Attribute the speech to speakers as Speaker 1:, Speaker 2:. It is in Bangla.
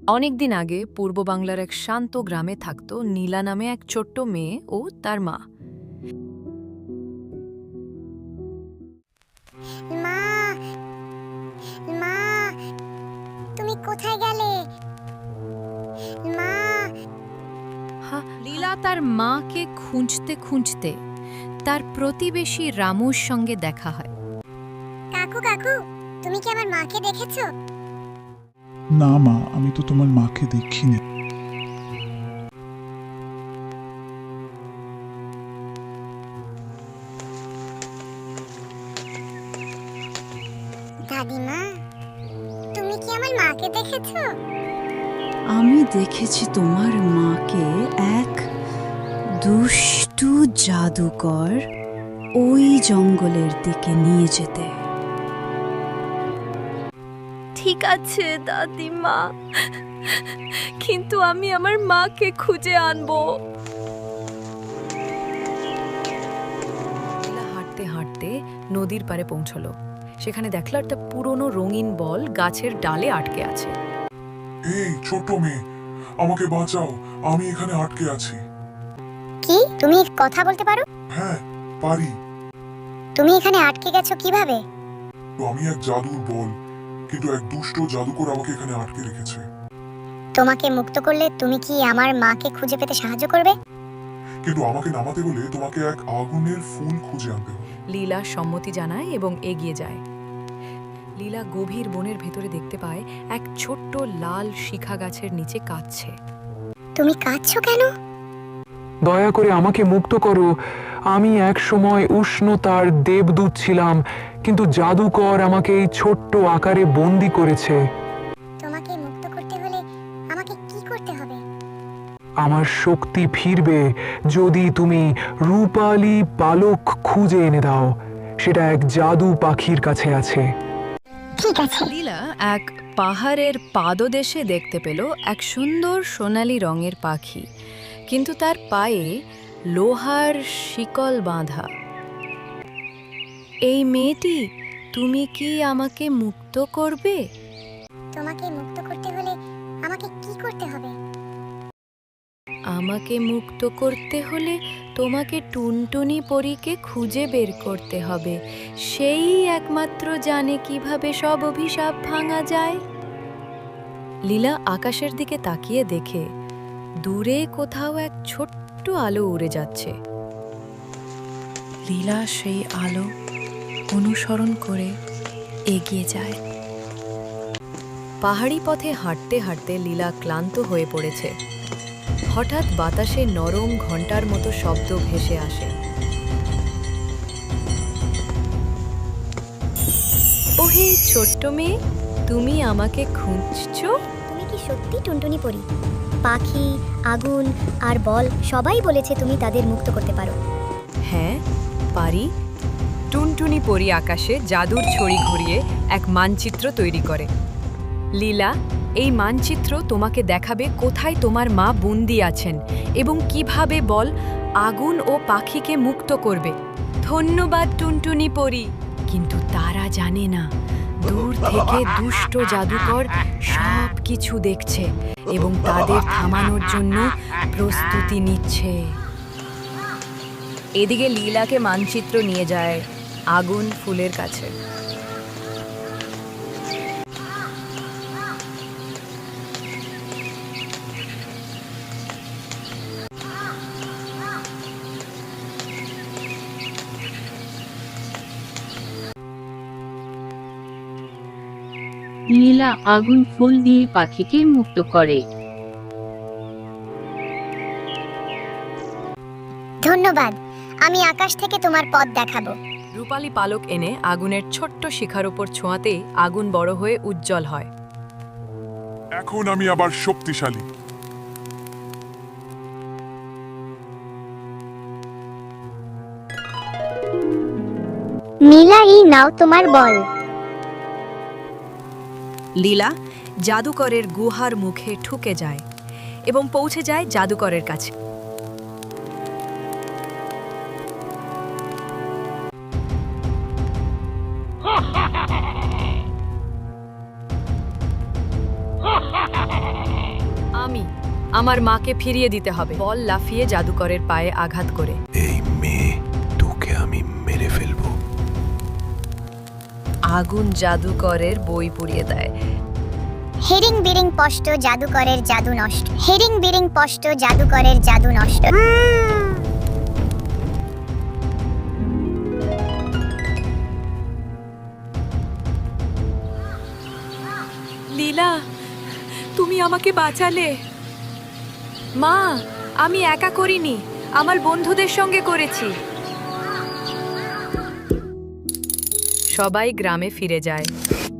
Speaker 1: অনেকদিন আগে পূর্ব বাংলার এক শান্ত গ্রামে থাকত নীলা নামে এক ছোট্ট মেয়ে ও তার মা।
Speaker 2: মা, মা, তুমি কোথায় গেলে? মা।
Speaker 1: লীলা তার মাকে খুঁজতে খুঁজতে তার প্রতিবেশী রামুর সঙ্গে দেখা হয়।
Speaker 2: কাকু কাকু, তুমি কি আমার মাকে দেখেছো?
Speaker 3: না মা, আমি তো তোমার মাকে দেখিনি।
Speaker 2: দাদিমা, তুমি কি আমার মাকে দেখেছো?
Speaker 4: আমি দেখেছি তোমার মাকে এক দুষ্টু জাদুকর ওই জঙ্গলের দিকে নিয়ে যেতে।
Speaker 1: ঠিক আছে দাদিমা, কিন্তু আমি আমার মাকে খুঁজে আনবো। লীলা হাঁটতে হাঁটতে নদীর পাড়ে পৌঁছলো। সেখানে দেখলো একটা পুরনো রঙিন বল গাছের ডালে আটকে আছে।
Speaker 5: এই ছোট মেয়ে, আমাকে বাঁচাও, আমি এখানে আটকে আছি।
Speaker 2: কি, তুমি কথা বলতে পারো?
Speaker 5: হ্যাঁ, পারি।
Speaker 2: তুমি এখানে আটকে গেছো কিভাবে?
Speaker 5: তো আমি এক জাদুর বল, কিন্তু এক দুষ্ট জাদুকর আমাকে এখানে আটকে রেখেছে।
Speaker 2: তোমাকে মুক্ত করলে তুমি কি আমার মাকে খুঁজে পেতে সাহায্য করবে?
Speaker 5: কিন্তু আমাকে নামাতে হলে তোমাকে এক আগুনের ফুল খুঁজে আনতে হবে।
Speaker 1: লীলা সম্মতি জানায় এবং এগিয়ে যায়। লীলা গভীর বনের ভেতরে দেখতে পায় এক ছোট্ট লাল শিখা গাছের নিচে কাঁদছে।
Speaker 2: তুমি কাঁদছো কেন?
Speaker 6: দয়া করে আমাকে মুক্ত করো। আমি এক সময় উষ্ণতার দেবদূত ছিলাম, কিন্তু জাদুকর আমাকে এই ছোট্ট আকারে বন্দি করেছে।
Speaker 2: তোমাকে মুক্ত করতে হলে আমাকে কি করতে হবে?
Speaker 6: আমার শক্তি ফিরবে যদি তুমি রূপালী পালক খুঁজে এনে দাও। সেটা এক জাদু পাখির কাছে আছে।
Speaker 2: ঠিক আছে।
Speaker 1: লীলা এক পাহাড়ের পাদদেশে দেখতে পেল এক সুন্দর সোনালী রঙের পাখি, কিন্তু তার পায়ে লোহার শিকল বাঁধা। এই মেয়েটি, তুমি কি আমাকে মুক্ত করবে?
Speaker 2: তোমাকে মুক্ত করতে হলে আমাকে কি করতে হবে?
Speaker 1: আমাকে মুক্ত করতে হলে তোমাকে টুনটুনি পরীকে খুঁজে বের করতে হবে। সেই একমাত্র জানে কিভাবে সব অভিশাপ ভাঙা যায়। লীলা আকাশের দিকে তাকিয়ে দেখে দূরে কোথাও এক ছোট্ট আলো উড়ে যাচ্ছে।
Speaker 4: লীলা সেই আলো অনুসরণ করে এগিয়ে যায়।
Speaker 1: পাহাড়ি পথে হাঁটতে হাঁটতে লীলা ক্লান্ত হয়ে পড়েছে। হঠাৎ বাতাসে নরম ঘণ্টার মতো শব্দ ভেসে আসে। ওহে ছোট্ট মেয়ে, তুমি আমাকে খুঁজছো?
Speaker 2: তুমি কি সত্যি টুনটুনি পরি? পাখি, আগুন আর বল সবাই বলেছে তুমি তাদের মুক্ত করতে পারো।
Speaker 1: হ্যাঁ, পারি। টুনটুনি পরি আকাশে জাদুর ছড়ি ঘুরিয়ে এক মানচিত্র তৈরি করে। লীলা, এই মানচিত্র তোমাকে দেখাবে কোথায় তোমার মা বন্দী আছেন এবং কিভাবে বল আগুন ও পাখিকে মুক্ত করবে। ধন্যবাদ টুনটুনি পরি। কিন্তু তারা জানে না, দূর থেকে দুষ্ট জাদুকর সব কিছু দেখছে এবং তাদের থামানোর জন্য প্রস্তুতি নিচ্ছে। এদিকে লীলাকে মানচিত্র নিয়ে যায় আগুন ফুলের কাছে।
Speaker 7: নীলা আগুন ফুল দিয়ে পাখিকে মুক্ত করে।
Speaker 2: ধন্যবাদ, আমি আকাশ থেকে তোমার পথ দেখাবো।
Speaker 1: রূপালী পালক এনে আগুনের ছোট্ট শিখার উপর ছোঁয়াতেই আগুন বড় হয়ে উজ্জ্বল হয়।
Speaker 5: এখন আমি আবার শক্তিশালী।
Speaker 2: নীলা, এই নাও তোমার বল।
Speaker 1: লীলা জাদুকরের গুহার মুখে ঠুকে যায় এবং পৌঁছে যায় জাদুকরের কাছে। আমার মাকে ফিরিয়ে দিতে হবে। বল লাফিয়ে জাদুকরের পায়ে আঘাত করে।
Speaker 8: এই মেয়ে, তোকে আমি মেরে ফেলবো।
Speaker 1: আগুন জাদুকরের বই পুড়িয়ে দেয়।
Speaker 2: হেরিং বিরিং পষ্ট জাদুকরের জাদু নষ্ট। হেরিং বিরিং পষ্ট জাদুকরের জাদু নষ্ট।
Speaker 1: লীলা, তুমি আমাকে বাঁচালে। মা, আমি একা করিনি, আমার বন্ধুদের সঙ্গে করেছি। সবাই গ্রামে ফিরে যায়।